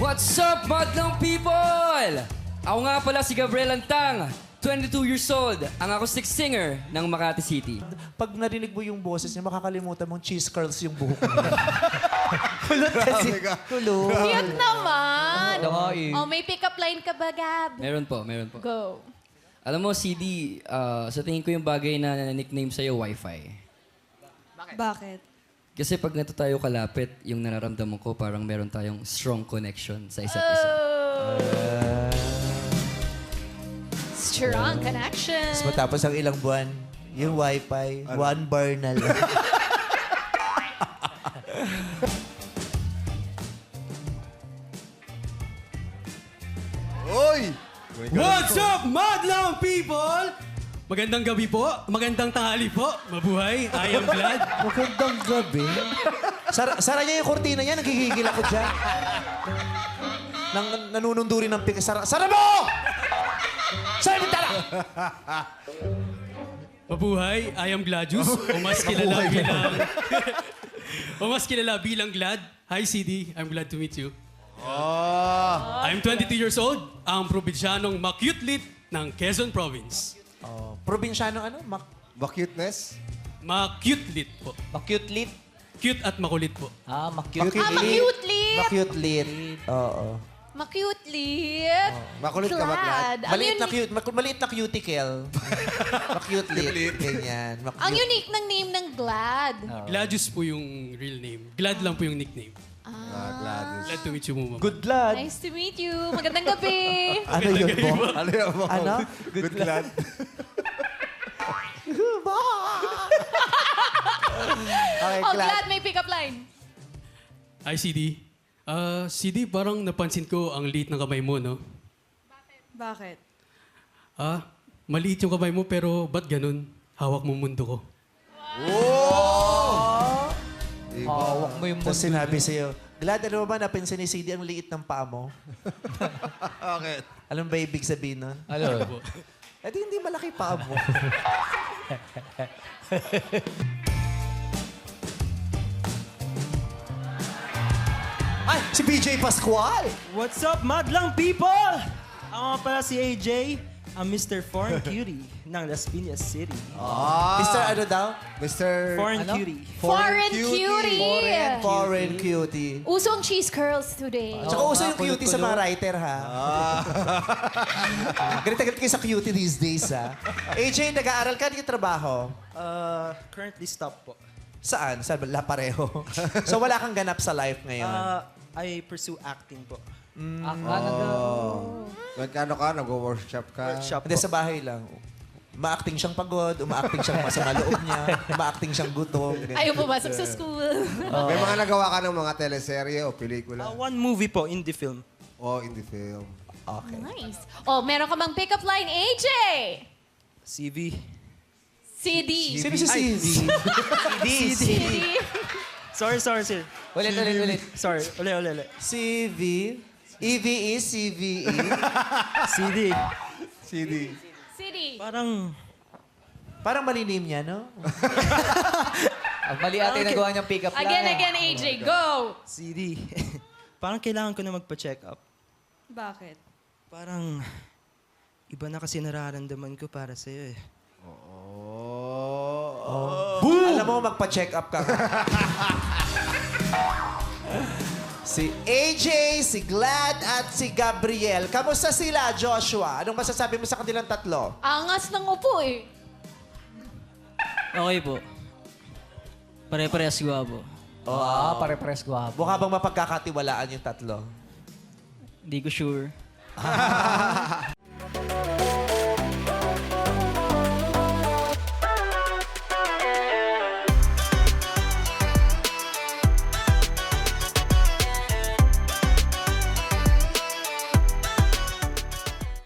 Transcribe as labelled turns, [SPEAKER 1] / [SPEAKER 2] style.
[SPEAKER 1] What's up, madlang people? Ako nga pala si Gabriel Antang, 22 years old, ang acoustic singer ng Makati City.
[SPEAKER 2] Pag narinig mo yung boses niya, makakalimutan mong cheese curls yung buhok niya. Kulot kasi. Kulot.
[SPEAKER 3] Cute naman.
[SPEAKER 1] eh.
[SPEAKER 3] Oh, may pick-up line ka ba, Gab?
[SPEAKER 1] Meron po.
[SPEAKER 3] Go.
[SPEAKER 1] Alam mo, CD, sa tingin ko yung bagay na nickname sa'yo, Wi-Fi.
[SPEAKER 3] Bakit?
[SPEAKER 1] Kasi pag nato tayo kalapit, yung nararamdaman ko parang meron tayong strong connection sa isa't isa.
[SPEAKER 3] Strong connection.
[SPEAKER 2] Tapos matapos ang ilang buwan, yung wifi, 1 bar na lang.
[SPEAKER 4] Oy!
[SPEAKER 5] What's up, madlang people? Magandang gabi po, magandang tanghali po, mabuhay, I am glad.
[SPEAKER 2] Magandang gabi. Sara niya yung kortina niya, nagigigil ako dyan. Nanununduri ng pink. Sara mo! Sara mo tala!
[SPEAKER 5] Mabuhay, I am Gladius, o mas kilala bilang... o mas kilala bilang Glad. Hi CD, I'm glad to meet you. I'm 22 years old, ang probinsyanong makyutlit ng Quezon Province.
[SPEAKER 2] Oh, probinsyano ano?
[SPEAKER 4] Ba-cuteness?
[SPEAKER 5] Makyutlit po.
[SPEAKER 6] Cute lit.
[SPEAKER 5] Cute at makulit po.
[SPEAKER 6] Ma-cute.
[SPEAKER 3] Ma-cute lit.
[SPEAKER 2] Ma-cute lit. Oo.
[SPEAKER 3] Ma-cute lit.
[SPEAKER 4] Makulit ka ba, Glad?
[SPEAKER 3] Ang
[SPEAKER 2] Maliit na
[SPEAKER 3] uni-
[SPEAKER 2] cute. Maliit na cuticle. Ma-cute lit. Ganyan.
[SPEAKER 3] Ang unique ng name ng Glad.
[SPEAKER 5] Gladius po yung real name. Glad lang po yung nickname.
[SPEAKER 4] Gladys.
[SPEAKER 5] Glad to meet you, Muma.
[SPEAKER 2] Good lad.
[SPEAKER 3] Nice to meet you. Magandang gabi.
[SPEAKER 2] Ano yun po?
[SPEAKER 4] Ano yan mo?
[SPEAKER 2] Ano?
[SPEAKER 4] Good Glad.
[SPEAKER 2] Okay,
[SPEAKER 3] Oh,
[SPEAKER 2] glad.
[SPEAKER 3] Glad may pick-up line.
[SPEAKER 5] Hi CD. CD, parang napansin ko ang liit ng kamay mo, no?
[SPEAKER 3] Bakit?
[SPEAKER 5] Maliit yung kamay mo pero ba't ganun? Hawak mo mundo ko.
[SPEAKER 6] Hawak mo yung
[SPEAKER 2] Tapos sinabi sa'yo, Glad, ano ba napansin ni CD ang liit ng paa mo?
[SPEAKER 4] Bakit?
[SPEAKER 2] Alam ba ibig sabihin nun?
[SPEAKER 6] Ano?
[SPEAKER 2] Eh di hindi malaki paa mo. Ay, si BJ Pascual!
[SPEAKER 7] What's up, madlang people? Ako nga pala si AJ, ang Mr. Foreign Cutie ng Las Piñas City.
[SPEAKER 2] Mr. ano daw?
[SPEAKER 4] Mr.
[SPEAKER 7] Foreign Cutie.
[SPEAKER 3] Foreign cutie.
[SPEAKER 2] Foreign cutie.
[SPEAKER 3] Uso ang cheese curls today.
[SPEAKER 2] Tsaka uso yung cutie sa mga writer, ha? Galit na galit kayo sa cutie these days, ha? AJ, nag-aaral ka, di trabaho?
[SPEAKER 7] Currently stop po.
[SPEAKER 2] Saan? Saan ba? Pareho. So wala kang ganap sa life ngayon?
[SPEAKER 7] I pursue acting po.
[SPEAKER 4] Nagkano ka? Nag-workshop ka?
[SPEAKER 7] Workshop
[SPEAKER 2] Hindi,
[SPEAKER 7] po.
[SPEAKER 2] sa bahay lang. Uma-acting siyang pagod, uma-acting siyang masama loob niya, uma-acting siyang gutom. ganyan.
[SPEAKER 3] Ayaw pumasok sa school.
[SPEAKER 4] May mga nagawa ka ng mga teleserye o pelikula?
[SPEAKER 7] One movie po, indie film.
[SPEAKER 4] O in the film?
[SPEAKER 2] Okay.
[SPEAKER 3] Nice. Oh, meron ka bang pick-up line, AJ?
[SPEAKER 7] CV.
[SPEAKER 3] CD.
[SPEAKER 2] Sino si CD?
[SPEAKER 3] CD.
[SPEAKER 7] Sorry, sir.
[SPEAKER 6] Ulit.
[SPEAKER 7] Sorry, uli.
[SPEAKER 2] CV? EVE, CVE?
[SPEAKER 7] CD.
[SPEAKER 4] CD.
[SPEAKER 3] CD.
[SPEAKER 2] Parang mali name niya, no?
[SPEAKER 6] Ang mali ate nagawa niyang pick-up line.
[SPEAKER 3] Again, AJ. Go.
[SPEAKER 7] CD. Parang kailangan ko na magpa-check up.
[SPEAKER 3] Bakit?
[SPEAKER 7] Parang iba na kasi nararamdaman ko para sa'yo eh.
[SPEAKER 2] Alam mo, magpa-check up ka. Si AJ, si Glad, at si Gabriel. Kamusta sila, Joshua? Anong masasabi mo sa kanilang tatlo?
[SPEAKER 3] Angas ng upo eh.
[SPEAKER 8] Okay po. Pare-parehas gwapo.
[SPEAKER 6] Pare-pares gwapo.
[SPEAKER 2] Mukha bang mapagkakatiwalaan yung tatlo?
[SPEAKER 8] Hindi ko sure.